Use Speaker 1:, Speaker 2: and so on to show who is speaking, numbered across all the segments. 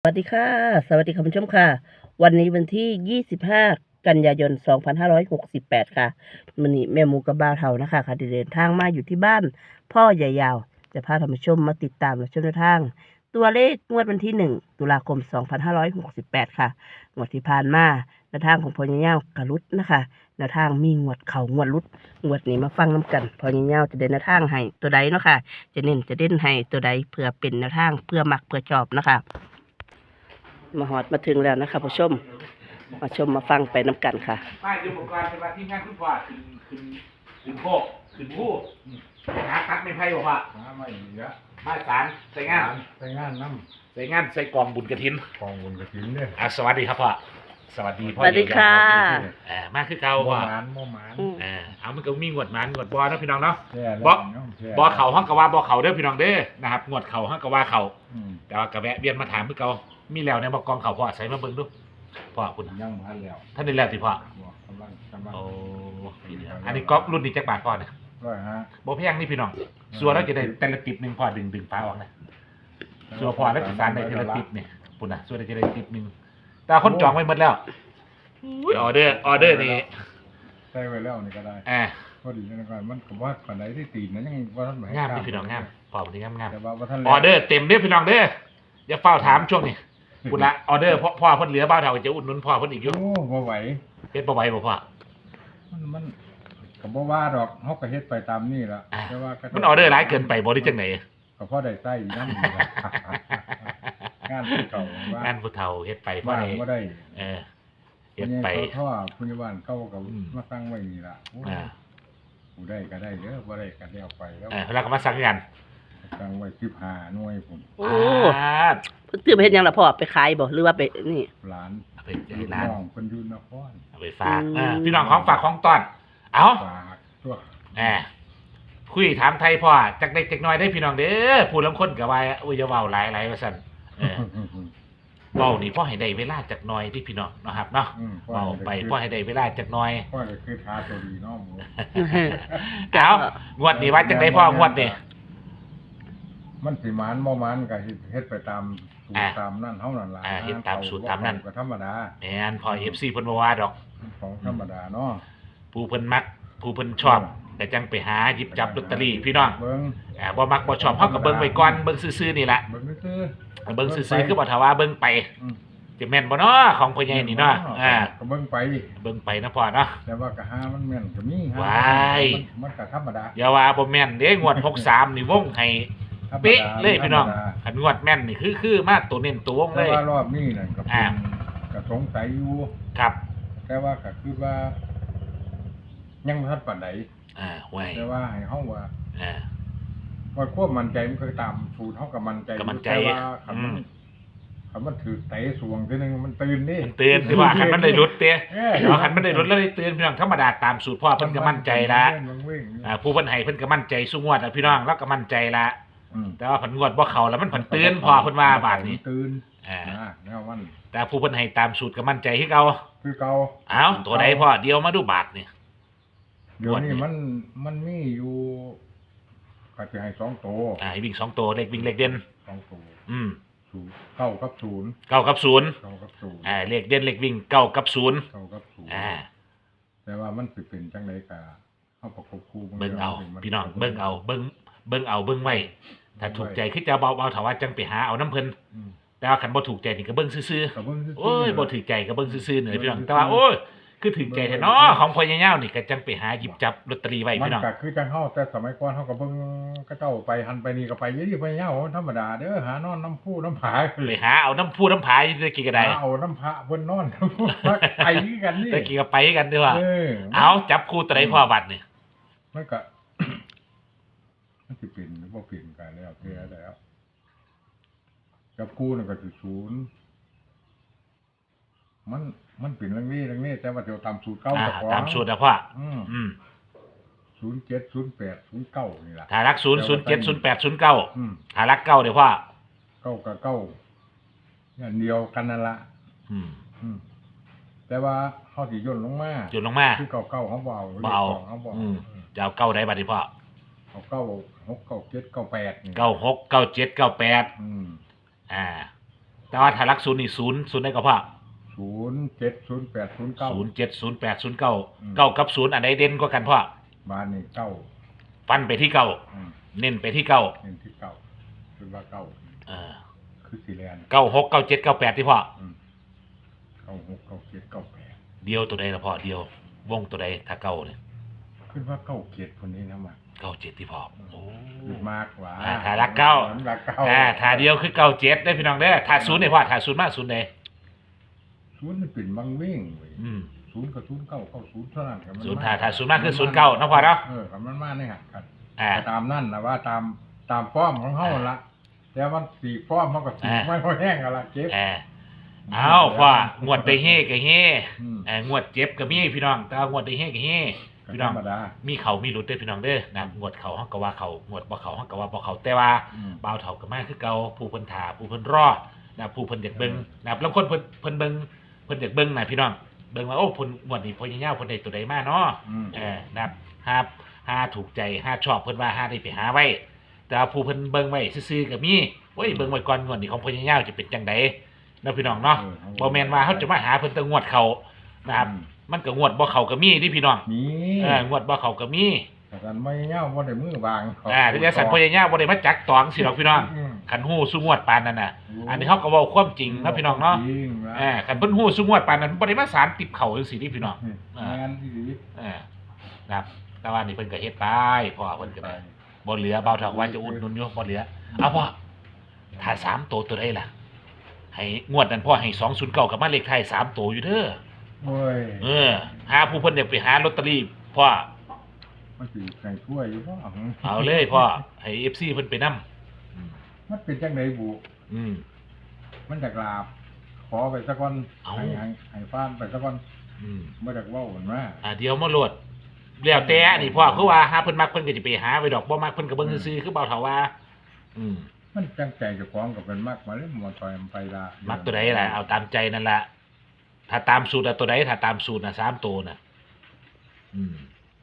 Speaker 1: วัสดีค่ะสวัสดีคุณผู้ชมค่ะวันนี้วันที่ 25 กันยายน 2568 ค่ะวันนี้แม่หมูกับบ่าวเฒ่านะคะค่ะได้เดินทางมาอยู่ที่บ้านพ่อใหญ่ยาวจะพาท่านผู้ชมมาติดตามและชมแนวทางตัวเลขงวดวันที่ 1 ตุลาคม 2568 ค่ะงวดที่ผ่านมาแนวทางของพ่อใหญ่ยาวกระลุดนะคะแนวทางมีงวดเข่างวดลุดงวดนี้มาฟังน้ำกันพ่อใหญ่ยาวจะเดินแนวทางให้ตัวใดเนาะค่ะจะเน้นจะเด่นให้ตัวใดเพื่อเป็นแนวทางเพื่อมักเพื่อชอบนะคะ มาหอดมาถึงแล้วนะคะผู้ชมมาชมมาฟังไปน้ำกันค่ะ
Speaker 2: ป้ายอุปกรณ์เป็นว่าที่งานคุณพ่อขึ้นโคกขึ้นผู้หาตัดไม่ไพ่บอกว่า
Speaker 3: หาไม่เยอะ
Speaker 2: มาสารใส่งาน
Speaker 3: ใส่งานน้
Speaker 2: ใส่งานใส่กองบุญกระถิน
Speaker 3: กองบุญกระถินเนี่ย
Speaker 2: สวัสดีครับพ่อสวัสดีพ่อ
Speaker 1: สวัสดีค่ะ
Speaker 2: มาคือเก่า
Speaker 3: บ่
Speaker 2: พ่อ
Speaker 3: หมานบ่หมาน
Speaker 2: เอามันก็มีงวดมันงวดบอนะพี่น้องเนาะ
Speaker 3: บ่
Speaker 2: บอเข่าห้องกะว่าบอเข่าเด้อพี่น้องเด้อนะครับงวดเข่าห้องกะว่าเข่าแต่ว่ากระแวะเวียนมาถามเพื่อเก่ามีแล้วในบอกกองเข่าพ่อใส่มาเบิ่งดูพ่อคุณ
Speaker 3: ยังมาแล้ว
Speaker 2: ท่านได้แล้วสิพ่อก
Speaker 3: ำลัง
Speaker 2: โอ้อันนี้ก๊อปรุ่นนี้จักบาทพ่อเนี่ยบ่แพงนี่พี่น้องส่วนแล้วจะได้แต่ละติบหนึ่งพ่อดึงฟ้าออกนะส่วนพ่อแล้วจะสารได้แต่ละติบเนี่ยปุ่นนะส่วนจะได้ติบหนึ่งแต่คนจองไว้หมดแล้วออเดอร์นี่
Speaker 3: ใส่ไว้แล้วนี่ก็ได้พอดีนะครับมันก็ว่าคนไหนที่ตีนนะยังว่าท่าน
Speaker 2: งามพี่น้องงามพอดีงาม
Speaker 3: แต่ว่าท่าน
Speaker 2: ออเดอร์เต็มเด้อพี่น้องเด้ออย่าเฝ้าถามช่วงนี้ปุ่นละออเดอร์พ่อเพิ่นเหลือบ้าเท่าจะอุดหนุนพ่อเพิ่นอีกอยู่
Speaker 3: โอ้บ่ไหว
Speaker 2: เฮ็ดบ่ไหวบ่พ่อ
Speaker 3: มันก็บ่ว่าดอกเฮาก็เฮ็ดไปตามนี่ล่ะ
Speaker 2: แต่ว่ามันออเดอร์หลายเกินไปบ่ได้จังไหน
Speaker 3: ก็พอได้ใส่นำงานผู้เฒ่าง
Speaker 2: านผู้เฒ่าเฮ็ดไปพอได้
Speaker 3: บ่ได้
Speaker 2: เฮ็ดไป
Speaker 3: ท่อผู้ใหญ่บ้านเก่าก็มาตั้งไว้นี่ล่ะผู้ได้ก็ได้เด้อบ่ได้ก็ได้เอาไปแล้ว
Speaker 2: แล้วก็มาสั่งกัน
Speaker 3: ตั้งไว้15หน่วยพุ่น
Speaker 1: โอ้เพิ่นซื้อไปเฮ็ดหยังล่ะพ่อไปขายบ่หรือว่าไปนี่
Speaker 3: ร้าน
Speaker 2: ไปร้าน
Speaker 3: เพิ่นอยู่นคร
Speaker 2: เอาไปฝากพี่น้องของฝากของต้อนเอา
Speaker 3: ฝากตัว
Speaker 2: คุยถามไทยพ่อจักเล็กจักน้อยได้พี่น้องเด้อผู้ลางคนก็ว่าอุ้ยอย่าเว้าหลายว่าซั่นเว้านี่พ่อให้ได้เวลาจักหน่อยที่พี่น้องนะครับเนาะเว้าไปพ่อให้ได้เวลาจักหน่อย
Speaker 3: พ่อคือท้าตัวดีเนาะหมู
Speaker 2: เอางวดนี้ว่าจังได๋พ่องวดนี้
Speaker 3: มันสิหมานบ่หมานก็เฮ็ดไปตามสูตรตามนั่นเฮานั่นล่ะ
Speaker 2: เฮ็ดตามสูตรตามนั่น
Speaker 3: ก็ธรรมดา
Speaker 2: แม่นพ่อ FC เพิ่นบ่ว่าดอก
Speaker 3: ของธรรมดาเนาะ
Speaker 2: ผู้เพิ่นมักผู้เพิ่นชอบแต่จังไปหาหยิบจับลอตเตอรี่พี่น้อง
Speaker 3: เบิ่ง
Speaker 2: บ่มักบ่ชอบเฮาก็เบิ่งไว้ก่อนเบิ่งซื่อๆนี่ล่ะ
Speaker 3: เบิ่งซื่อ
Speaker 2: คือบ่ถ้าว่าเบิ่งไปจะแม่นบ่เนาะของพ่อใหญ่นี่เนาะ
Speaker 3: ก็เบิ่ง
Speaker 2: ไปนะพ่อเนาะ
Speaker 3: แต่ว่าก็หามันแม่นก็มี
Speaker 2: ว้าย
Speaker 3: มันก็ธรรมดา
Speaker 2: อย่าว่าบ่แม่นเด้งวด63นี่วงให้เป๊ะเลยพี่น้องคันงวดแม่นนี่คือมาตัวเน้นตัววงเลย
Speaker 3: แต่ว่ารอบนี้นั่นก็ก็สงสัยอยู่
Speaker 2: ครับ
Speaker 3: แต่ว่าก็คือว่ายังบ่ทันปานใด
Speaker 2: ห่วย
Speaker 3: แต่ว่าให้เฮาว่าว่าความมั่นใจมันคือตามสูตรเฮาก็มั่นใจ
Speaker 2: แต่ว่า
Speaker 3: คันมันถือเตะสวงทีนึงมันตื่นนี่
Speaker 2: มันตื่นที่ว่าคันมันได้รุดเด้คันมันได้รุดแล้วได้ตื่นพี่น้องธรรมดาตามสูตรพ่อเพิ่นก็มั่นใจละผู้เพิ่นให้เพิ่นก็มั่นใจสู้งวดพี่น้องแล้วก็มั่นใจละแต่ว่าเพิ่นงวดบ่เข้าแล้วมันเพิ่นตื่นพ่อเพิ่นว่าบาดนี้
Speaker 3: ตื่นแนวมัน
Speaker 2: แต่ผู้เพิ่นให้ตามสูตรก็มั่นใจคือเก่า
Speaker 3: อ้
Speaker 2: าวตัวใดพ่อเดียวมาดูบาทนี่
Speaker 3: เดี๋ยวนี้มันมีอยู่ก็จะให้2ตัว
Speaker 2: ให้วิ่ง2ตัวเลขวิ่งเลขเด่น
Speaker 3: 2ตัว
Speaker 2: 9
Speaker 3: กับ 0
Speaker 2: 9 กับ 0เลขเด่นเลขวิ่ง9 กับ 0
Speaker 3: แต่ว่ามันสิเป็นจังได๋ก็เฮาประกบคู่
Speaker 2: เบิ่งเอาพี่น้องเบิ่งเอาเบิ่งไว้ถ้าถูกใจคือจะเบาๆถ้าว่าจังไปหาเอาน้ำเพิ่นแต่ว่าคันบ่ถูกใจนี่ก็เบิ่งซื่อๆโอ้ยบ่ถูกใจก็เบิ่งซื่อๆนี่พี่น้องแต่ว่าโอ้ยคือถูกใจแท้เนาะของพ่อใหญ่ยาวนี่ก็จังไปหาหยิบจับลอตเตอรี่ไว้พี่น้อง
Speaker 3: มันก็คือจังเฮาแต่สมัยก่อนเฮาก็เบิ่งเขาเจ้าไปหันไปนี่ก็ไปอยู่ที่พ่อใหญ่ยาวธรรมดาเด้อหานอนน้ำพุน้ำผา
Speaker 2: ไปหาเอาน้ำพุน้ำผาอยู่ตะกี้ก็ได้
Speaker 3: เอาน้ำผาเพิ่นนอนไปกันนี่
Speaker 2: ตะกี้ก็ไปกันด้วยว่าเอาจับคู่ตัวใดพ่อบัดนี่
Speaker 3: มันก็มันสิเป็นหรือบ่เป็นกันแล้วเท่าแล้วจับคู่นั่นก็สิ0มันเป็นเรื่องนี้แต่ว่าเดี๋ยวตามสูตรเก่า
Speaker 2: ตามสูตรนะพ่อ
Speaker 3: 07 08 09นี่ล่ะ
Speaker 2: ถ้ารัก0 07 08 09ถ้ารัก9เดี๋ยวพ่อ
Speaker 3: 9กับ9อย่างเดียวกันนั่นล่ะแต่ว่าเฮาสิย่นลงมาคือ9เฮาบ่เอา
Speaker 2: จะเอา9ได้บัดนี้พ่อ
Speaker 3: เอา9 6 9 7 9 8
Speaker 2: 96 97 98 แต่ว่าถ้ารักศูนย์นี่ศูนย์ได้ก็พ่อ
Speaker 3: 07 08 09
Speaker 2: 07 08 09 เก้ากับศูนย์อันใดเด่นกว่ากันพ่อ
Speaker 3: บ้านนี่เก้า
Speaker 2: ฟันไปที่เก้า
Speaker 3: อืม
Speaker 2: เน้นไปที่เก้า
Speaker 3: เห็นที่เก้าคือว่าเก้า
Speaker 2: เออ
Speaker 3: คือสีแลน
Speaker 2: 96 97 98ที่พ่อ
Speaker 3: 96 97 98
Speaker 2: เดียวตัวใดละพ่อเดียววงตัวใดถ้าเก้าเนี่ย
Speaker 3: ขึ้นว่าเก้าเกียรติคนนี้นะมา
Speaker 2: 97ที่พ่อโอ้
Speaker 3: คือมากกว่า
Speaker 2: ถ้ารักเก้า
Speaker 3: รักเก้า
Speaker 2: ถ้าเดียวคือ97ได้พี่น้องเด้อถ้าศูนย์เนี่ยพ่อถ้าศูนย์มาศูนย์ใด
Speaker 3: ศูนย์มันเป็นบางเว้งเว้ย
Speaker 2: อืม
Speaker 3: ศูนย์กับศูนย์เก้าเข้าศูนย์เท่านั้นครับ
Speaker 2: ศูนย์ถ้าศูนย์มากคือ09เนาะพ่อเนาะ
Speaker 3: ครับมันมาในหักกัน
Speaker 2: อ่า
Speaker 3: ตามนั่นนะว่าตามฟ้อมของเฮาละแต่ว่าสีฟ้อมมันก็สีไม่ค่อยแห้งกันละเจ็บ
Speaker 2: เอาพ่องวดได้เฮก็เฮ
Speaker 3: อืม
Speaker 2: งวดเจ็บก็มีพี่น้องแต่ว่างวดได้เฮก็เฮพี่น้อง
Speaker 3: ธรรมดา
Speaker 2: มีเขามีหลุดเด้อพี่น้องเด้อนะงวดเขาเฮาก็ว่าเขางวดบ่เขาเฮาก็ว่าบ่เขาแต่ว่า
Speaker 3: อืม
Speaker 2: บ่าวเฒ่าก็มาคือเก่าผู้เพิ่นท่าผู้เพิ่นรอนะผู้เพิ่นอยากเบิ่งนะบางคนเพิ่นเบิ่งเพิ่นอยากเบิ่งนะพี่น้องเบิ่งว่าโอ้เพิ่นงวดนี้พ่อยาวๆเพิ่นได้ตัวใดมาเนาะ
Speaker 3: อืม
Speaker 2: นะครับหาถูกใจหาชอบเพิ่นว่าหาได้ไปหาไว้แต่ว่าผู้เพิ่นเบิ่งไว้ซื่อๆก็มีโอ้ยเบิ่งไว้ก่อนงวดนี้ของพ่อยาวๆจะเป็นจังไดเนาะพี่น้องเนาะบ่แม่นว่าเฮาจะมาหาเพิ่นแต่งวดเขานะครับมันก็งวดบ่เขาก็มีที่พี่น้อง
Speaker 3: นี่
Speaker 2: งวดบ่เขาก็มี
Speaker 3: แต่กันไม่เงาว่าได้มือวาง
Speaker 2: ที่จะสั่นพ่อยาวบ่ได้มาจักตองสิดอกพี่น้อง
Speaker 3: ม
Speaker 2: คันฮู้ซุงวดปานนั้นน่ะอันนี้เฮาก็เว้าความจริงเนาะพี่น้องเนาะ
Speaker 3: จริงนะ
Speaker 2: คันเพิ่นฮู้ซุงวดปานนั้นบ่ได้มาสารติบเขาจังซี่นี่พี่น้อง
Speaker 3: งานที่ดี
Speaker 2: นะครับแต่ว่านี่เพิ่นก็เฮ็ดไปพ่อเพิ่นก็ได้บ่เหลือเบาเท่าว่าจะอุดหนุนอยู่บ่เหลือเอาพ่อถ้า3ตัวใดล่ะให้งวดนั้นพ่อให้209กับมาเลขท้าย3ตัวอยู่เด้อ
Speaker 3: โอ้ย
Speaker 2: หาผู้เพิ่นอยากไปหาลอตเตอรี่พ่อ
Speaker 3: มันสิใส่ถ้วยอยู่บ่
Speaker 2: เอาเลยพ่อให้ FC เพิ่นไปนำ
Speaker 3: มันเป็นจังไดบุ
Speaker 2: อืม
Speaker 3: มันจากลาบ ขอไปสักก่อน
Speaker 2: เอา
Speaker 3: ให้ฟ้านไปสักก่อน
Speaker 2: อืม
Speaker 3: บ่จากเว้ากันว่า
Speaker 2: เดี๋ยวมาโหลดแล้วแต่นี่พ่อคือว่าหาเพิ่นมักเพิ่นก็สิไปหาไว้ดอกบ่มักเพิ่นก็เบิ่งซื่อๆคือเบาเท่าว่า อืม
Speaker 3: มันจังใจเจ้าของก็เป็นมากมาเลยมันต่อยมันไปละ
Speaker 2: มักตัวใดล่ะเอาตามใจนั่นล่ะถ้าตามสูตรตัวใดถ้าตามสูตรน่ะ3ตัวน่ะอืม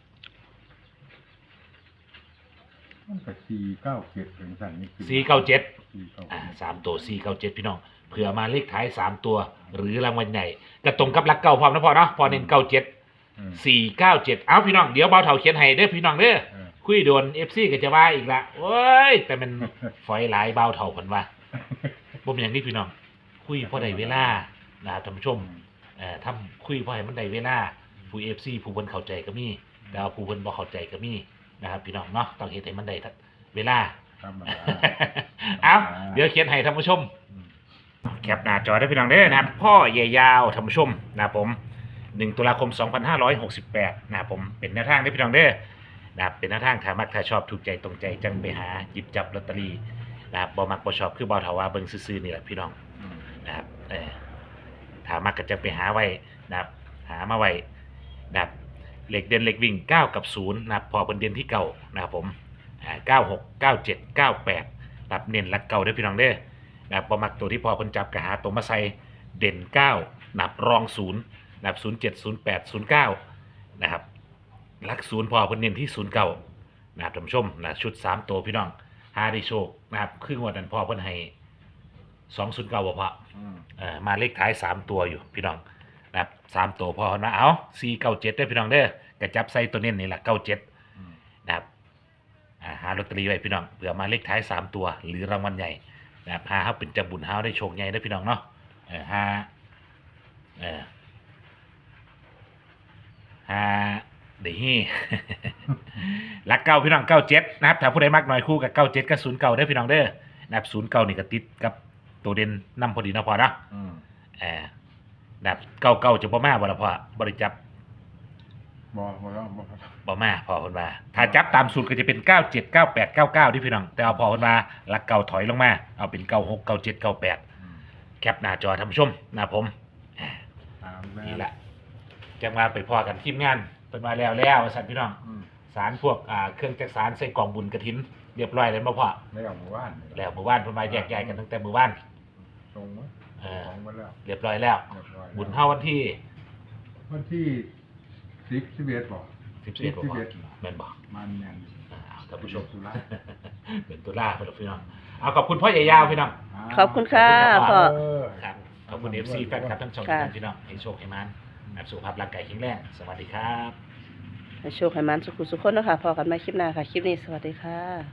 Speaker 3: มันก็497ถึงสั่นนี่คือ
Speaker 2: 497 3ตัว497พี่น้องเผื่อมาเลขท้าย3ตัว หรือรางวัลใหญ่ก็ตรงกับหลักเก่าพร้อมนะพ่อเนาะพอเน้น97 497เอาพี่น้องเดี๋ยวเบาเฒ่าเขียนให้เด้อพี่น้องเด้อคุยโดน FC ก็จะว่าอีกละโอ้ยแต่มันฝอยหลายเบาเฒ่าเพิ่นว่าบ่มีหยังนี่พี่น้องคุยพอได้เวลานะครับท่านผู้ชมทำคุยพอให้มันได้เวลาผู้ FC ผู้เพิ่นเข้าใจก็มีแต่ว่าผู้เพิ่นบ่เข้าใจก็มีนะครับพี่น้องเนาะต้องเฮ็ดให้มันได้เวลา
Speaker 3: ธรรมดา
Speaker 2: เอาเดี๋ยวเขียนให้ท่านผู้ชมแคปหน้าจอได้พี่น้องเด้อนะครับพ่อใหญ่ยาวท่านผู้ชมนะครับผม1ตุลาคม 2568นะครับผมเป็นแนวทางได้พี่น้องเด้อนะครับเป็นแนวทางถ้ามักถ้าชอบถูกใจตรงใจจังไปหาหยิบจับลอตเตอรี่นะครับบ่มักบ่ชอบคือบ่เฒ่าว่าเบิ่งซื่อๆนี่แหละพี่น้องนะครับถ้ามักก็จะไปหาไว้นะครับหามาไว้นะครับเหล็กเด่นเหล็กวิ่ง9กับ0นะครับพอเป็นเด่นที่เก่านะครับผม96 97 98รับเน้นหลักเก่าเด้อพี่น้องเด้อนะครับบ่มักตัวที่พอเพิ่นจับก็หาตัวมาใส่เด่น9นับรอง0นับ07 08 09นะครับหลัก0พอเพิ่นเน้นที่09นะครับท่านผู้ชมนะชุด3ตัวพี่น้องหาได้โชคนะครับครึ่งวันนั้นพอเพิ่นให้209บ่พอมาเลขท้าย3ตัวอยู่พี่น้องนะครับ3ตัวพอนะเอา497ได้อพี่น้องเด้อกระจับใส่ตัวเน้นนี่ล่ะ97นะครับหาลอตเตอรี่ไว้พี่น้องเผื่อมาเลขท้าย3ตัวหรือรางวัลใหญ่นะครับหาเฮาเป็นจังบุญเฮาได้โชคใหญ่ได้อพี่น้องเนาะหาได้ฮี หลักเก้าพี่น้อง97นะครับถ้าผู้ใดมักหน่อยคู่กับ97กับ09ได้อพี่น้องเด้อนะครับ09นี่ก็ติดกับตัวเด่นนำพอดีนะพอเนาะนะครับ99จะบ่มาบ่ล่ะพ่อบ่ได้จับ บ่มาพอเพิ่นว่าถ้าจับตามสูตรก็จะเป็น97 98 99ที่พี่น้องแต่เอาพอเพิ่นว่าหลักเก่าถอยลงมาเอาเป็น96 97 98แคปหน้าจอท่านผู้ชมนะผมนี่แหละจังว่าไปพอกันทีมงานเพิ่นมาแล้วสั่นพี่น้องสารพวกเครื่องจักสารใส่กล่องบุญกฐินเรียบร้อยแล้วบ่พ่อ
Speaker 3: แล้วหมู่บ้าน
Speaker 2: แล้วเมื่อวานเพิ่นมาแยกย้ายกันตั้งแต่เมื่อวาน
Speaker 3: ตรงมั้ยมาแล้ว
Speaker 2: เรียบร้อยแล้วบุญเฮาวันที่
Speaker 3: 10 11บ่
Speaker 2: 11บ่แม่นบ่
Speaker 3: มันแม่น
Speaker 2: ท่านผู้ชม
Speaker 3: ตุลา
Speaker 2: เป็นตุลาเพิ่นพี่น้องเอาขอบคุณพ่อใหญ่ยาวพี่น้อง
Speaker 1: ขอบคุณค่ะพ่อ
Speaker 2: ครับขอบคุณ FC แฟนคลับทั้งสอง
Speaker 1: ค่ะ
Speaker 2: ท่านพี่น้องให้โชคให้มันสุขภาพร่างกายแข็งแรงสวัสดีครับ
Speaker 1: ให้โชคให้มันสุขสุขคนเนาะค่ะพอกันใหม่คลิปหน้าค่ะ คลิปนี้สวัสดีค่ะ